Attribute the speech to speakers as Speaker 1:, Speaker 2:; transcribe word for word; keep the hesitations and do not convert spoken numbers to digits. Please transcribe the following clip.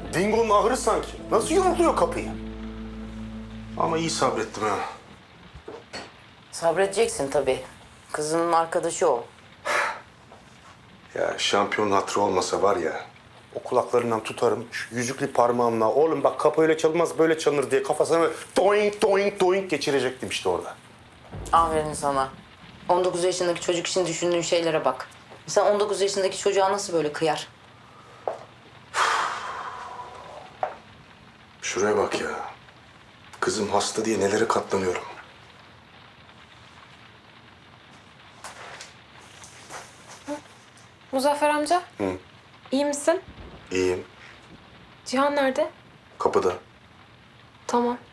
Speaker 1: Dingo'nun ahırı sanki. Nasıl yumrukluyor kapıyı? Ama iyi sabrettim ha.
Speaker 2: Sabredeceksin tabii. Kızının arkadaşı o.
Speaker 1: Ya şampiyon hatırı olmasa var ya, o kulaklarından tutarım, şu yüzüklü parmağımla, oğlum bak kapı öyle çalınmaz böyle çalınır diye kafasına böyle doink doink doink geçirecektim işte orada.
Speaker 2: Aferin sana. on dokuz yaşındaki çocuk için düşündüğün şeylere bak. Sen on dokuz yaşındaki çocuğa nasıl böyle kıyar?
Speaker 1: Şuraya bak ya. Kızım hasta diye nelere katlanıyorum.
Speaker 3: Muzaffer amca.
Speaker 1: Hı.
Speaker 3: İyi misin?
Speaker 1: İyiyim.
Speaker 3: Cihan nerede?
Speaker 1: Kapıda.
Speaker 3: Tamam.